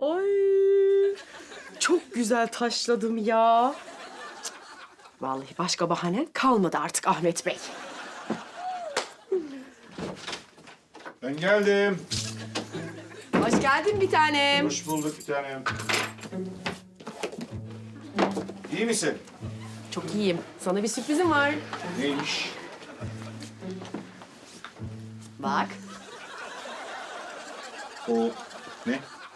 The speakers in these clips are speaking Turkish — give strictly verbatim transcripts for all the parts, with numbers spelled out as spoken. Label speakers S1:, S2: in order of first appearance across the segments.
S1: Ay çok güzel taşladım ya. Cık, vallahi başka bahanen kalmadı artık Ahmet Bey.
S2: Ben geldim.
S1: Hoş geldin bir tanem.
S2: Hoş bulduk bir tanem. İyi misin?
S1: Çok iyiyim. Sana bir sürprizim var.
S2: Neymiş?
S1: Bak.
S2: O ne?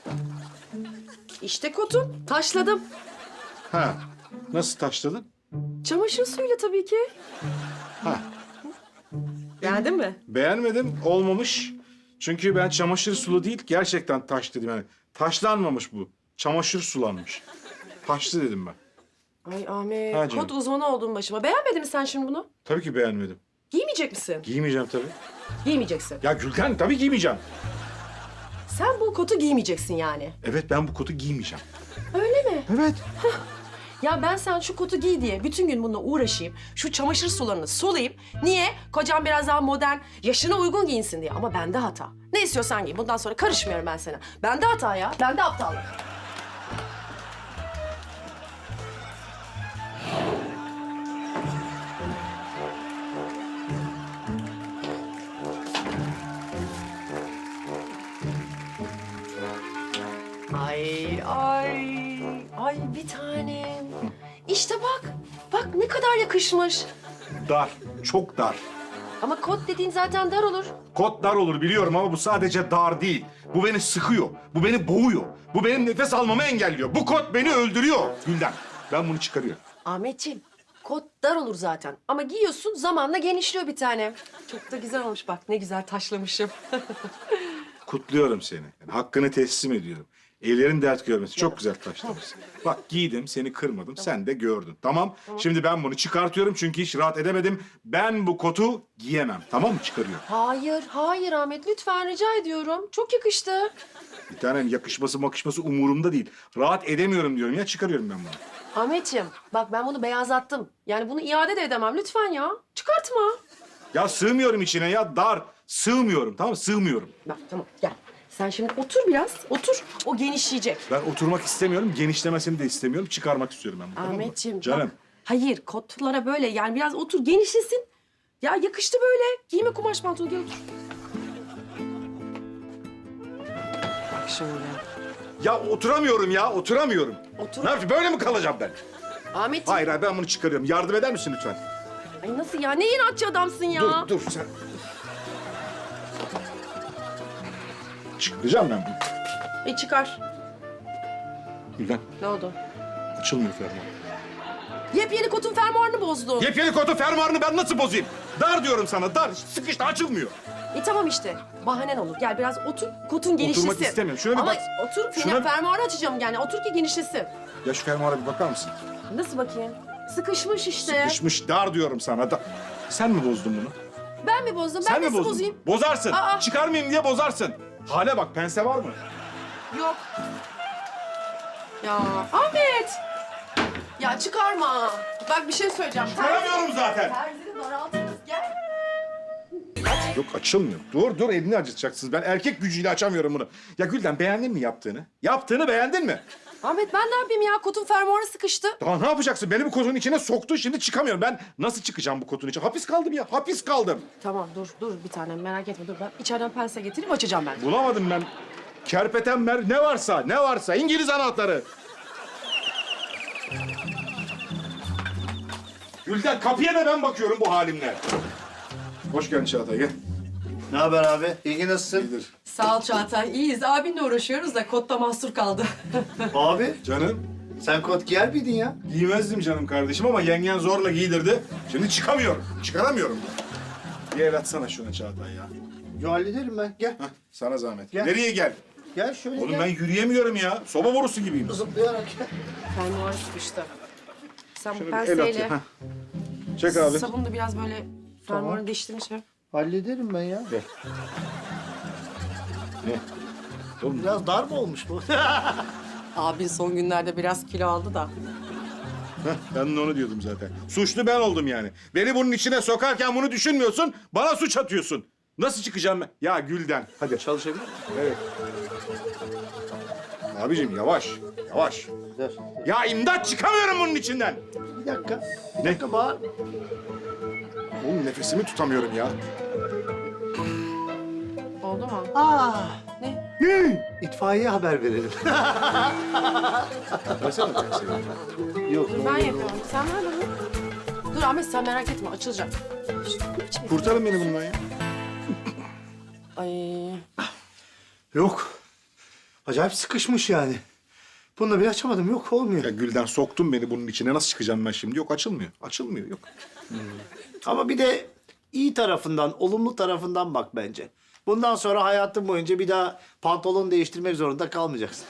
S1: İşte kotun. Taşladım.
S2: Ha, nasıl taşladın?
S1: Çamaşır suyuyla tabii ki.
S2: Ha,
S1: Beğendin mi?
S2: beğenmedim, olmamış. Çünkü ben çamaşır sulu değil, gerçekten taş dedim yani. Taşlanmamış bu, çamaşır sulanmış. Taşlı dedim ben.
S1: Ay Ahmet,
S2: Ha canım.
S1: kot uzmanı oldun başıma. Beğenmedin mi sen şimdi bunu?
S2: Tabii ki beğenmedim.
S1: Giymeyecek misin?
S2: Giymeyeceğim tabii.
S1: Giymeyeceksin.
S2: Ya Gülten, tabii giymeyeceğim.
S1: Sen bu kotu giymeyeceksin yani.
S2: Evet, ben bu kotu giymeyeceğim.
S1: Öyle mi?
S2: Evet.
S1: Ya ben sen şu kotu giy diye bütün gün bununla uğraşayım. Şu çamaşır sularını solayım. Niye? Kocam biraz daha modern, yaşına uygun giyinsin diye. Ama bende hata. Ne istiyorsan giy. Bundan sonra karışmıyorum ben sana. Bende hata ya. Bende aptallık. Ay, ay, ay bir tanem. İşte bak, bak ne kadar yakışmış.
S2: Dar, çok dar.
S1: Ama kot dediğin zaten dar olur.
S2: Kot dar olur biliyorum ama bu sadece dar değil. Bu beni sıkıyor, bu beni boğuyor. Bu benim nefes almamı engelliyor. Bu kot beni öldürüyor Gülden. Ben bunu çıkarıyorum.
S1: Ahmetciğim, kot dar olur zaten. Ama giyiyorsun zamanla genişliyor bir tane. Çok da güzel olmuş bak, ne güzel taşlamışım.
S2: Kutluyorum seni. Yani hakkını teslim ediyorum. Ellerin dert görmesi. Çok güzel taşlamışsın. Bak giydim, seni kırmadım. Sen de gördün. Tamam? Şimdi ben bunu çıkartıyorum çünkü hiç rahat edemedim. Ben bu kotu giyemem. Tamam mı? Çıkarıyorum.
S1: Hayır, hayır Ahmet. Lütfen rica ediyorum. Çok yakıştı.
S2: Bir tanem yakışması makışması umurumda değil. Rahat edemiyorum diyorum ya. Çıkarıyorum ben bunu.
S1: Ahmetciğim, bak ben bunu beyazlattım. Yani bunu iade de edemem. Lütfen ya. Çıkartma.
S2: Ya sığmıyorum içine ya. Dar. Sığmıyorum. Tamam mı? Sığmıyorum.
S1: Bak tamam, gel. Sen şimdi otur biraz. Otur. O genişleyecek.
S2: Ben oturmak istemiyorum. Genişlemesini de istemiyorum. Çıkarmak istiyorum ben bunu. tamam mı?
S1: Ahmetciğim.
S2: Canım.
S1: Bak, hayır, kotlara böyle yani biraz otur, genişlesin. Ya yakıştı böyle. Giyme kumaş pantolonu, gel otur. Bak şöyle.
S2: Ya oturamıyorum ya. Oturamıyorum.
S1: Otur.
S2: Ne yapayım? Böyle mi kalacağım ben?
S1: Ahmetciğim.
S2: Hayır hayır ben bunu çıkarıyorum. Yardım eder misin lütfen?
S1: Ay nasıl ya? Ne inatçı adamsın ya.
S2: Dur dur sen. Çıkaracağım ben bunu.
S1: E çıkar.
S2: Gülden
S1: Ne oldu?
S2: açılmıyor fermuar.
S1: Yepyeni kotun fermuarını bozdun.
S2: Yepyeni kotu fermuarını ben nasıl bozayım? Dar diyorum sana dar. Sıkıştı açılmıyor.
S1: E tamam işte. Bahanen olur. Gel biraz otur. Kotun genişlesin.
S2: Oturmak istemiyorum. Şuna bir
S1: Ama
S2: bak.
S1: otur.
S2: Şuna
S1: Şuna...
S2: bir-
S1: Fermuarı açacağım yani. Otur ki genişlesin.
S2: Ya şu fermuara bir bakar mısın?
S1: Nasıl bakayım? Sıkışmış işte.
S2: Sıkışmış dar diyorum sana. Da. Sen mi bozdun bunu?
S1: Ben mi bozdum? Ben
S2: Sen mi
S1: nasıl
S2: bozdun?
S1: bozayım?
S2: Bozarsın.
S1: Aa.
S2: Çıkarmayayım diye bozarsın. Hale bak pense var mı?
S1: Yok. Ya Ahmet. Ya çıkarma. Bak bir şey söyleyeceğim.
S2: Çıkaramıyorum zaten.
S1: Terzini daraltırız. Gel.
S2: Yok açılmıyor. Dur dur elini acıtacaksınız. Ben erkek gücüyle açamıyorum bunu. Ya Gülden beğendin mi yaptığını? Yaptığını beğendin mi?
S1: Ahmet ben ne yapayım ya? Kotun fermuarı sıkıştı.
S2: Daha ne yapacaksın? Beni bu kotun içine soktu. Şimdi çıkamıyorum. Ben nasıl çıkacağım bu kotun içine? Hapis kaldım ya. Hapis kaldım.
S1: Tamam dur dur bir tanem merak etme dur. Ben içeriden pense getirip açacağım ben.
S2: Bulamadım ben. Kerpetenber ne varsa, ne varsa. İngiliz anahtarı. Gülden kapıya da ben bakıyorum bu halimle. Hoş geldin Çağatay gel.
S3: Ne haber abi? İlgi nasılsın?
S2: İyidir.
S1: Sağ ol Çağatay. İyiyiz. Abinle uğraşıyoruz da kotta mahsur kaldı.
S3: Abi
S2: Canım
S3: sen kot giyer miydin ya?
S2: giymezdim canım kardeşim ama yengen zorla giydirdi. Şimdi çıkamıyorum. Çıkaramıyorum. Bir el atsana şuna Çağatay ya.
S3: Yo hallederim ben. Gel.
S2: Hah, sana zahmet.
S3: Gel.
S2: Nereye gel?
S3: Gel şöyle
S2: Oğlum
S3: gel.
S2: ben yürüyemiyorum ya. Soba borusu gibiyim.
S3: Zıplayarak gel.
S1: Fermuarı sıkıştı. Sen bu
S2: Şöyle bir el at
S1: penseyle
S2: ya. Hah. Çek abi.
S1: sabunu da biraz böyle fermuarını
S3: Tamam.
S1: değiştirmiş ha.
S3: Hallederim ben ya.
S2: Gel. Ne? Oğlum
S3: Biraz dar mı olmuş bu?
S1: Abin son günlerde biraz kilo aldı da.
S2: Heh, ben de onu diyordum zaten. Suçlu ben oldum yani. Beni bunun içine sokarken bunu düşünmüyorsun, bana suç atıyorsun. Nasıl çıkacağım ben? Ya Gülden, hadi.
S3: Çalışabilir miyim?
S2: Evet. Abicim yavaş, yavaş.
S3: Dur.
S2: Ya imdat çıkamıyorum bunun içinden.
S3: Bir dakika. Bir
S2: Ne?
S3: dakika bağır.
S2: Oğlum nefesimi tutamıyorum ya.
S1: Oldu mu?
S3: Aa,
S1: Ne?
S2: Ne?
S3: itfaiyeye haber verelim.
S2: Versene taksiyi.
S3: Yok.
S1: Dur ben yapıyorum. Sen ver bana. Dur Ahmet sen merak etme açılacak. İşte, ne biçim-
S2: Kurtarın beni bundan ya.
S1: Ay.
S3: Yok. Acayip sıkışmış yani. Bunu da bir açamadım. Yok olmuyor.
S2: Ya Gülden soktun beni bunun içine. Nasıl çıkacağım ben şimdi? Yok açılmıyor. Açılmıyor yok.
S3: Ama bir de iyi tarafından, olumlu tarafından bak bence. Bundan sonra hayatın boyunca bir daha pantolon değiştirmek zorunda kalmayacaksın.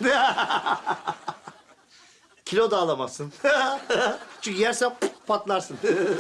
S3: Kilo da alamazsın. Çünkü yersen patlarsın.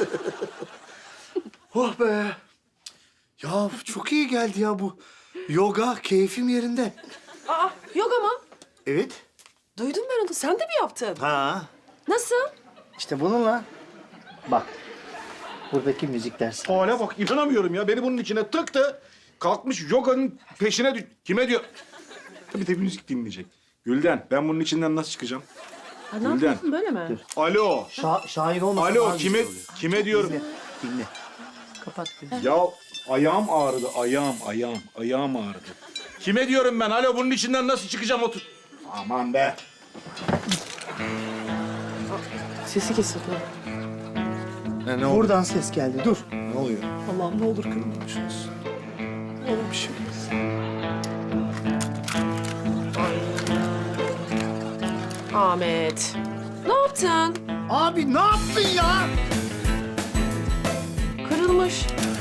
S3: Oh be. Ya çok iyi geldi ya bu. Yoga keyfim yerinde.
S1: Aa yoga mı?
S3: Evet.
S1: Duydum ben onu. Sen de mi yaptın?
S3: Ha.
S1: Nasıl?
S3: İşte bununla. Bak. Buradaki müzik dersi.
S2: Hale bak inanamıyorum ya. Beni bunun içine tıktı. Kalkmış yoganın peşine düş... Kime diyor? Bir de müzik dinleyecek. Gülden ben bunun içinden nasıl çıkacağım?
S1: Ha, ne
S2: Gülden.
S1: yapıyorsun böyle mi?
S2: Alo.
S3: Şa şair olmasa
S2: Alo
S3: daha
S2: kime
S3: güzel oluyor.
S2: kime diyorum?
S3: Dinle. Dinle. Kapat.
S2: Ya ayağım ağrıdı. Ayağım, ayağım, ayağım ağrıdı. Kime diyorum ben? Alo bunun içinden nasıl çıkacağım otur. Aman be.
S1: Sesi kesildi.
S2: Ne, ne oldu?
S3: Buradan ses geldi. Dur.
S2: Ne oluyor?
S3: Allah'ım ne olur kırılmamış olsun. Ne olur bir şey olmasın.
S1: Ahmet. Ne yaptın?
S3: Abi ne yaptın ya?
S1: Kırılmış.